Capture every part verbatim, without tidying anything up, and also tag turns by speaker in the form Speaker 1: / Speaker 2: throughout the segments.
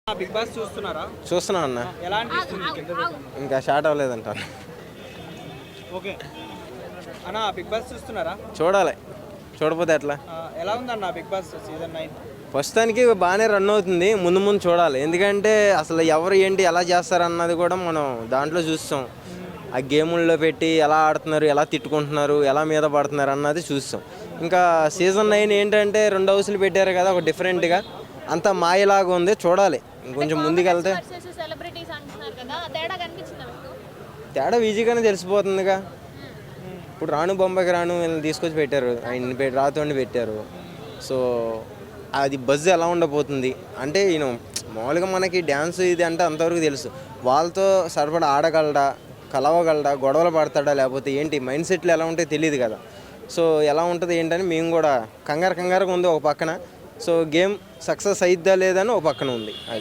Speaker 1: Big Boss చూస్తున్నారా?
Speaker 2: చూస్తున్నా అన్న.
Speaker 1: ఎలా అనిపిస్తుంది?
Speaker 2: ఇంకా స్టార్ట్ అవ్వలేదంట.
Speaker 1: ఓకే అన్న, బిగ్ బాస్ చూస్తున్నారా?
Speaker 2: చూడాలి, చూడపోతే ఎట్లా.
Speaker 1: ఎలా ఉందన్న బిగ్ బాస్ సీజన్ నైన్?
Speaker 2: ప్రస్తుతానికి బాగానే రన్ అవుతుంది. ముందు ముందు చూడాలి, ఎందుకంటే అసలు ఎవరు ఏంటి ఎలా చేస్తారన్నది కూడా మనం దాంట్లో చూస్తాం. ఆ గేముల్లో పెట్టి ఎలా ఆడుతున్నారు, ఎలా తిట్టుకుంటున్నారు, ఎలా మీద పడుతున్నారు అన్నది చూస్తాం. ఇంకా సీజన్ నైన్ ఏంటంటే రెండు హౌస్లు పెట్టారు కదా, ఒక డిఫరెంట్గా అంత మాయలాగా ఉంది. చూడాలి ఇంకొంచెం ముందుకెళ్తే. తేడా ఈజీగానే తెలిసిపోతుందిగా. ఇప్పుడు రాను బొంబాయికి రాను వీళ్ళని తీసుకొచ్చి పెట్టారు, ఆయన రాతోండి పెట్టారు. సో అది బజ్ ఎలా ఉండబోతుంది అంటే, ఈయన మామూలుగా మనకి డ్యాన్స్ ఇది అంటే అంతవరకు తెలుసు. వాళ్ళతో సరిపడా ఆడగలడా, కలవగలడా, గొడవలు పడతాడా, లేకపోతే ఏంటి మైండ్ సెట్లు ఎలా ఉంటాయో తెలియదు కదా. సో ఎలా ఉంటుంది ఏంటని మేము కూడా కంగారు కంగారుగా ఉంది ఒక పక్కన. సో గేమ్ సక్సెస్ అయిద్దా లేదని ఒక పక్కన ఉంది. అది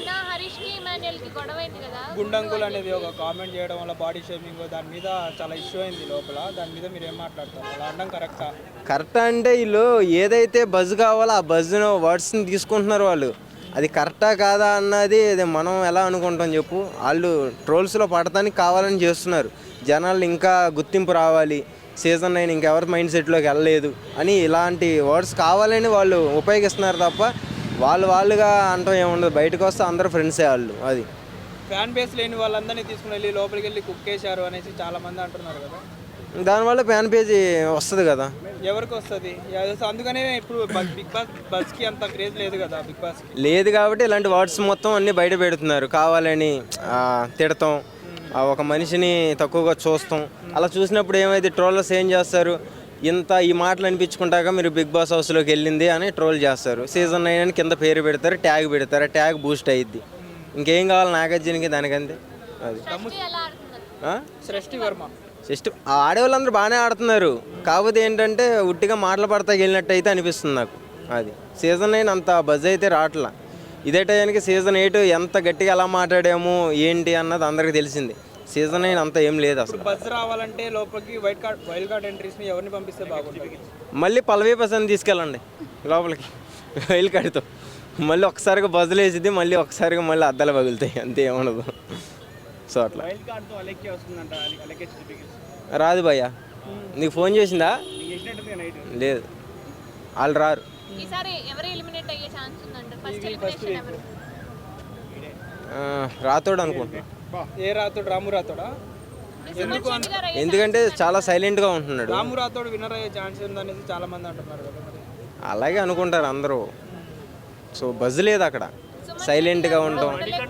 Speaker 1: గుండంకుల్ అనేది ఒక కామెంట్ చేయడం వల్ల బాడీ షేమింగ్ దాని మీద చాలా ఇష్యూ అయింది లోపల. దాని మీద మీరు ఏం మాట్లాడతారు? అలా అనడం కరెక్టా?
Speaker 2: కరెక్టా అంటే వీళ్ళు ఏదైతే బజ్ కావాలో ఆ బజ్ను వర్డ్స్ని తీసుకుంటున్నారు వాళ్ళు. అది కరెక్టా కాదా అన్నది మనం ఎలా అనుకుంటాం చెప్పు. వాళ్ళు ట్రోల్స్లో పడటానికి కావాలని చేస్తున్నారు. జనాలు ఇంకా గుర్తింపు రావాలి, సీజన్ నైన్ ఇంకెవరి మైండ్ సెట్లోకి వెళ్ళలేదు అని ఇలాంటి వర్డ్స్ కావాలని వాళ్ళు ఉపయోగిస్తున్నారు తప్ప వాళ్ళు వాళ్ళుగా అంటాం ఏముండదు. బయటకు వస్తే అందరూ ఫ్రెండ్సే వాళ్ళు. అది
Speaker 1: ఫ్యాన్ బేస్ లేని వాళ్ళందరినీ తీసుకుని వెళ్ళి లోపలికి వెళ్ళి కుక్ చేశారు అనేసి చాలా మంది అంటున్నారు కదా.
Speaker 2: దానివల్ల ఫ్యాన్ పేజీ వస్తుంది కదా.
Speaker 1: ఎవరికి వస్తుంది? అందుకనే ఇప్పుడు బిగ్ బాస్ బస్కి అంత క్రేజ్ లేదు కదా. బిగ్ బాస్
Speaker 2: లేదు కాబట్టి ఇలాంటి వర్డ్స్ మొత్తం అన్నీ బయట పెడుతున్నారు. కావాలని తిడతాం, ఒక మనిషిని తక్కువగా చూస్తాం. అలా చూసినప్పుడు ఏమైతే ట్రోలర్స్ ఏం చేస్తారు, ఇంత ఈ మాటలు అనిపించుకుంటాక మీరు బిగ్ బాస్ హౌస్లోకి వెళ్ళింది అని ట్రోల్ చేస్తారు. సీజన్ నైన్ అని కింద పేరు పెడతారు, ట్యాగ్ పెడతారు, ట్యాగ్ బూస్ట్ అయ్యిద్ది. ఇంకేం కావాలి నాగార్జునకి దానికంతే. అది
Speaker 1: సృష్టి వర్మ
Speaker 2: జస్ట్ ఆడేవాళ్ళందరూ బాగానే ఆడుతున్నారు. కాకపోతే ఏంటంటే ఉట్టిగా మాటలు పడతా వెళ్ళినట్టు అయితే అనిపిస్తుంది నాకు. అది సీజన్ నైన్ అంత బజ్ అయితే రావట్లా. ఇదే టైంకి సీజన్ ఎయిట్ ఎంత గట్టిగా ఎలా మాట్లాడాము ఏంటి అన్నది అందరికి తెలిసింది. సీజన్ నైన్ అంతా ఏం లేదు అసలు.
Speaker 1: బజ్ రావాలంటే లోపలికి వైల్డ్ కార్డ్ వైల్డ్ కార్డ్ ఎంట్రీస్ని ఎవరిని పంపిస్తే బాగుంటుంది?
Speaker 2: మళ్ళీ పల్లవి ప్రసాద్ని తీసుకెళ్ళండి లోపలికి వైల్డ్ కార్డ్తో. మళ్ళీ ఒకసారిగా బజ్జులు వేసిద్ది, మళ్ళీ ఒకసారిగా మళ్ళీ అద్దాలు పగులుతాయి, అంతే ఏమనదు. సో అట్లా రాదు భయ్యా. నీకు ఫోన్ చేసిందా? లేదు, వాళ్ళు రారు. రాతోడు అనుకుంటున్నా.
Speaker 1: ఏ రాతోడు? రాము రాతోడా?
Speaker 2: ఎందుకంటే చాలా సైలెంట్గా ఉంటున్నాడు.
Speaker 1: రాము రాతోడు విన్నర్ అయ్యే ఛాన్స్ ఉందనేసి చాలా మంది అంటున్నారు కదా.
Speaker 2: అలాగే అనుకుంటారు అందరూ. సో బజ్ లేదు అక్కడ, సైలెంట్గా ఉంటాం.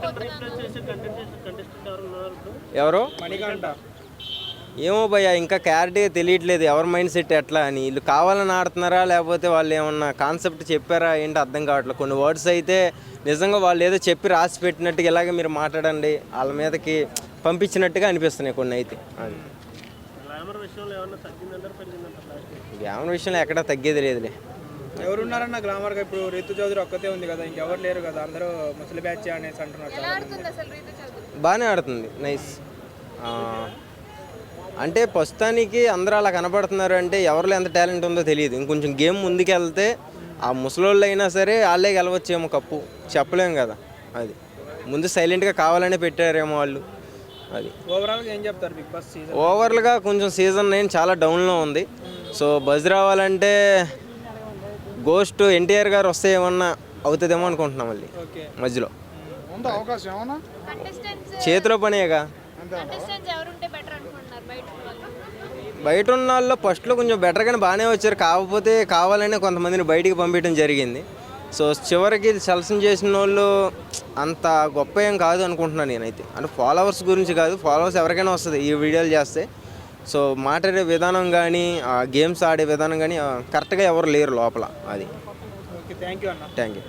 Speaker 2: ఎవరు?
Speaker 1: మణికంఠ.
Speaker 2: ఏమో భయ్యా, ఇంకా క్లారిటీగా తెలియట్లేదు ఎవరి మైండ్ సెట్ ఎట్లా అని. వీళ్ళు కావాలని ఆడుతున్నారా, లేకపోతే వాళ్ళు ఏమన్నా కాన్సెప్ట్ చెప్పారా ఏంటి అర్థం కావట్లేదు. కొన్ని వర్డ్స్ అయితే నిజంగా వాళ్ళు ఏదో చెప్పి రాసి పెట్టినట్టుగా ఇలాగే మీరు మాట్లాడండి వాళ్ళ మీదకి పంపించినట్టుగా అనిపిస్తున్నాయి కొన్ని అయితే. అది గ్లామర్ విషయంలో ఎక్కడా తగ్గేది లేదులే.
Speaker 1: ఎవరున్నారన్న గ్లామర్గా? ఇప్పుడు రీతు చౌదరి ఒక్కతే ఉంది కదా, ఇంకెవరు లేరు కదా, అందరూ ముసలి బ్యాచ్ అనేసి అంటున్నారు.
Speaker 2: బాగానే ఆడుతుంది, నైస్. అంటే ప్రస్తుతానికి అందరూ అలా కనపడుతున్నారు అంటే ఎవరిలో ఎంత టాలెంట్ ఉందో తెలియదు. ఇంకొంచెం గేమ్ ముందుకెళ్తే ఆ ముసలోళ్ళు అయినా సరే వాళ్ళే గెలవచ్చేమో కప్పు, చెప్పలేము కదా. అది ముందు సైలెంట్గా కావాలనే పెట్టారేమో వాళ్ళు. అది
Speaker 1: ఓవరాల్గా ఏం చెప్తారు బిగ్ బాస్ సీజన్?
Speaker 2: ఓవర్గా కొంచెం సీజన్ నైన్ చాలా డౌన్లో ఉంది. సో బజ్ రావాలంటే గోస్ట్ ఎన్టీఆర్ గారు వస్తే ఏమన్నా అవుతుందేమో అనుకుంటున్నాం. మళ్ళీ మధ్యలో చేతిలో పనేగా. బయట ఉన్న వాళ్ళు ఫస్ట్లో కొంచెం బెటర్గానే బాగానే వచ్చారు, కాకపోతే కావాలనే కొంతమందిని బయటికి పంపించడం జరిగింది. సో చివరికి సెలక్షన్ చేసిన వాళ్ళు అంత గొప్ప ఏం కాదు అనుకుంటున్నాను నేనైతే. అంటే ఫాలోవర్స్ గురించి కాదు, ఫాలోవర్స్ ఎవరికైనా వస్తుంది ఈ వీడియోలు చేస్తే. సో మాట్లాడే విధానం కానీ గేమ్స్ ఆడే విధానం కానీ కరెక్ట్గా ఎవరు లేరు లోపల. అది
Speaker 1: ఓకే, థ్యాంక్ యూ అన్న.
Speaker 2: Thank you.